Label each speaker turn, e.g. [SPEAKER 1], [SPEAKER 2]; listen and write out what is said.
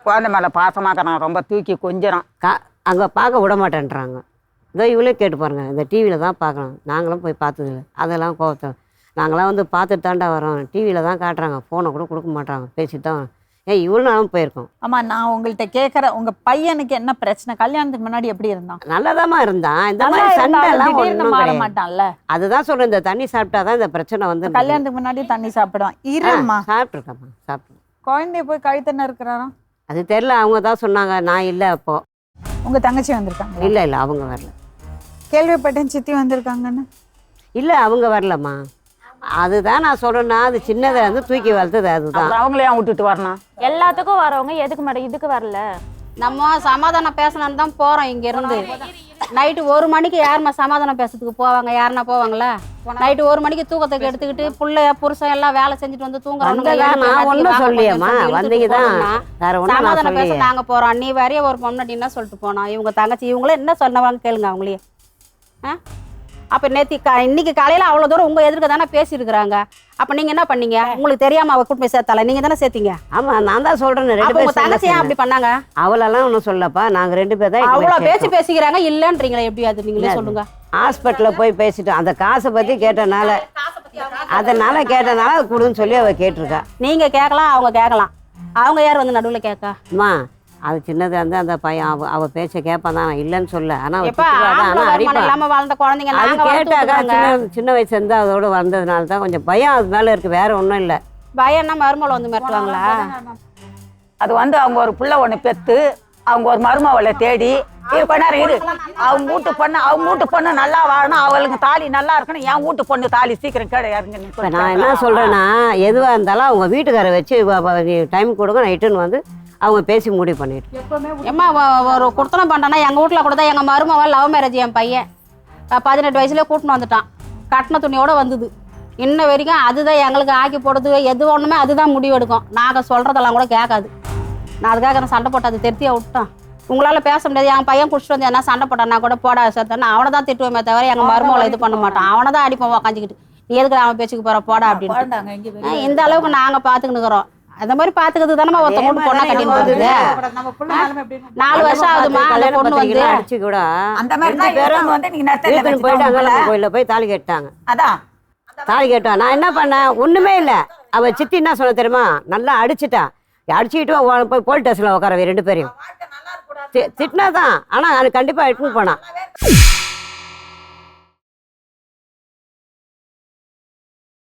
[SPEAKER 1] குழந்தை மேலே பாசமாக்கறான், ரொம்ப தூக்கி கொஞ்சறான்.
[SPEAKER 2] அங்கே பார்க்க விட மாட்டேன்றாங்க. இதோ இவளே கேட்டு பாருங்க, இந்த டிவியில் தான் பார்க்கலாம், நாங்களும் போய் பார்த்ததில்ல. அதெல்லாம் கோவத்தை நாங்களாம் வந்து பார்த்துட்டு தாண்டா வரோம், டிவியில் தான் காட்டுறாங்க, ஃபோனை கூட கொடுக்க மாட்டாங்க, பேசிட்டு தான் இவ்வளோ நாளும் போயிருக்கோம்.
[SPEAKER 3] ஆமாம், நான் உங்கள்கிட்ட கேட்குறேன், உங்கள் பையனுக்கு என்ன பிரச்சனை? கல்யாணத்துக்கு முன்னாடி எப்படி இருந்தான்?
[SPEAKER 2] நல்லதாம்மா இருந்தான். இந்த மாதிரி சண்டைலாம் ஒன்றும்
[SPEAKER 3] மாற மாட்டான்ல.
[SPEAKER 2] அதுதான் சொல்கிறேன், இந்த தண்ணி சாப்பிட்டா தான் இந்த பிரச்சனை வந்து.
[SPEAKER 3] கல்யாணத்துக்கு முன்னாடி தண்ணி சாப்பிடுவான். இருமா,
[SPEAKER 2] சாப்பிட்ருக்கேம்மா, சாப்பிட்டு.
[SPEAKER 3] குழந்தைய போய் கழுத்தண்ண இருக்கிறாராம்.
[SPEAKER 2] அது தெரில, அவங்க தான் சொன்னாங்க, நான் இல்லை அப்போ.
[SPEAKER 3] உங்கள் தங்கச்சி வந்திருக்காங்க?
[SPEAKER 2] இல்லை இல்லை, அவங்க வரல.
[SPEAKER 3] கேள்விப்பட்டேன் சித்தி வந்திருக்காங்கன்னு.
[SPEAKER 2] இல்லை, அவங்க வரலம்மா. அதுதான் நான் சொல்றேன்னா, அது சின்னதை வந்து தூக்கி வளர்த்தது. அதுதான்
[SPEAKER 1] அவங்களே விட்டுட்டு வரணும்.
[SPEAKER 4] எல்லாத்துக்கும் வரவங்க எதுக்கு மேடம் இதுக்கு வரல?
[SPEAKER 5] நம்ம சமாதானம் பேசணும்னு தான் போறோம். இங்க இருந்து நைட்டு 1 மணிக்கு யாருமா சமாதானம் பேசுறதுக்கு போவாங்க? யாருன்னா போவாங்களா? நைட்டு 1 மணிக்கு தூக்கத்துக்கு எடுத்துக்கிட்டு புள்ளைய புருஷன் எல்லாம் வேலை செஞ்சுட்டு வந்து தூங்குறாங்க.
[SPEAKER 2] சொல்லியம்மா வந்தீங்கதான்
[SPEAKER 5] சமாதானம் பேச நாங்க போறோம். நீ வரைய ஒரு பொண்ணு என்ன சொல்லிட்டு போனோம். இவங்க தங்கச்சி இவங்களே என்ன சொன்னவாங்க கேளுங்க அவங்களே. அப்ப இன்னைக்கு காலையில அவ்வளவு தூரம் உங்க எதிர்க்க தானே பேசியிருக்கிறாங்க. அப்ப நீங்க என்ன பண்ணீங்க? உங்களுக்கு தெரியாம அவ கூட்டு போய் சேர்த்தால, நீங்க தானே சேர்த்தீங்க.
[SPEAKER 2] ஆமா, நான் தான் சொல்றேன்.
[SPEAKER 5] உங்க தங்கச்சி ஏன் அப்படி பண்ணாங்க?
[SPEAKER 2] அவளெல்லாம் ஒன்றும் சொல்லப்பா, நாங்க 2 பேர் தான்.
[SPEAKER 5] அவ்வளவு பேசிக்கிறாங்க இல்லன்றீங்களா? எப்படி அது நீங்களே சொல்லுங்க.
[SPEAKER 2] ஹாஸ்பிட்டல்ல போய் பேசிட்டோம், அந்த காசை பத்தி கேட்டனால அது கொடுன்னு சொல்லி அவ கேட்டிருக்கா.
[SPEAKER 5] நீங்க கேட்கலாம், அவங்க கேட்கலாம். அவங்க யார் வந்து நடுவில் கேட்க?
[SPEAKER 2] அம்மா, அது சின்னது வந்து அந்த பையன் அவ பேச்ச கேட்பான் தான், இல்லைன்னு சொல்ல. ஆனா
[SPEAKER 5] வளர்ந்த குழந்தைங்க
[SPEAKER 2] கேட்டாக்கா சின்ன வயசு இருந்து அதோட வந்ததுனால தான் கொஞ்சம் பயம் அது மேல இருக்கு, வேற ஒன்றும் இல்லை.
[SPEAKER 5] பயம்னா மருமகளை வந்து மிரட்டுவாங்களா?
[SPEAKER 1] அது வந்து அவங்க ஒரு பிள்ளை ஒன்று பெற்று அவங்க ஒரு மருமவளை தேடி இரு அவங்க வீட்டு பொண்ணு நல்லா வாழணும், அவளுக்கு தாலி நல்லா இருக்கணும். என் வீட்டு பொண்ணு தாலி சீக்கிரம் கிடையாதுங்க.
[SPEAKER 2] நான் என்ன சொல்றேன்னா, எதுவா இருந்தாலும் அவங்க வீட்டுக்காரை வச்சு டைம் கொடுங்க, நைட்டுன்னு வந்து அவங்க பேசி முடிவு பண்ணிட்டு.
[SPEAKER 5] ஏம்மா ஒரு குடுத்தனம் பண்ணானா எங்க வீட்டுல கூட தான் எங்க மருமவன் லவ் மேரேஜ். என் பையன் 18 வயசுல கூட்டின்னு வந்துட்டான், கட்டின துணியோட வந்தது. இன்ன வரைக்கும் அதுதான் எங்களுக்கு ஆக்கி போடுறது, எது ஒண்ணுமே அதுதான் முடிவு எடுக்கும். நாங்க சொல்றதெல்லாம் கூட கேட்காது. நான் அதுக்காக நான் சண்டை போட்டேன், அது திருத்தியா விட்டான். உங்களால பேச முடியாது. என் பையன் குடிச்சிட்டு வந்து என்ன சண்டை போட்டான், நான் கூட போட சேர்த்தேன்னா அவனை தான் திட்டுவேமே தவிர எங்க மருமகளை இது பண்ண மாட்டான். அவனை தான் அடிப்போம் உக்காஞ்சிக்கிட்டு, நீ எதுக்கு அவன் பேச்சுக்கு போற போடா அப்படின்னு. இந்த அளவுக்கு நாங்க பாத்துக்கிட்டு இருக்கிறோம். அந்த மாதிரி பாத்துக்கிறது தானே ஒருத்த பொண்ணு பொண்ணா கட்டின்னு போகுது. 4 வருஷம் ஆகுதுமா அந்த பொண்ணு வந்து
[SPEAKER 2] அடிச்சு கூட
[SPEAKER 1] அந்த மாதிரி
[SPEAKER 2] கோயில போய் தாலி கேட்டாங்க. அதான் தாலி கேட்டா நான் என்ன பண்ணேன், ஒண்ணுமே இல்லை. அவ சித்தி என்ன சொன்ன தெரியுமா, நல்லா அடிச்சுட்டா. அடிச்சுக்கிட்டு போய் போலீஸ் ஸ்டேஷன்ல உட்கார 2 பேரையும் திட்டினாதான். ஆனா அது கண்டிப்பா எடுத்துன்னு போனான்.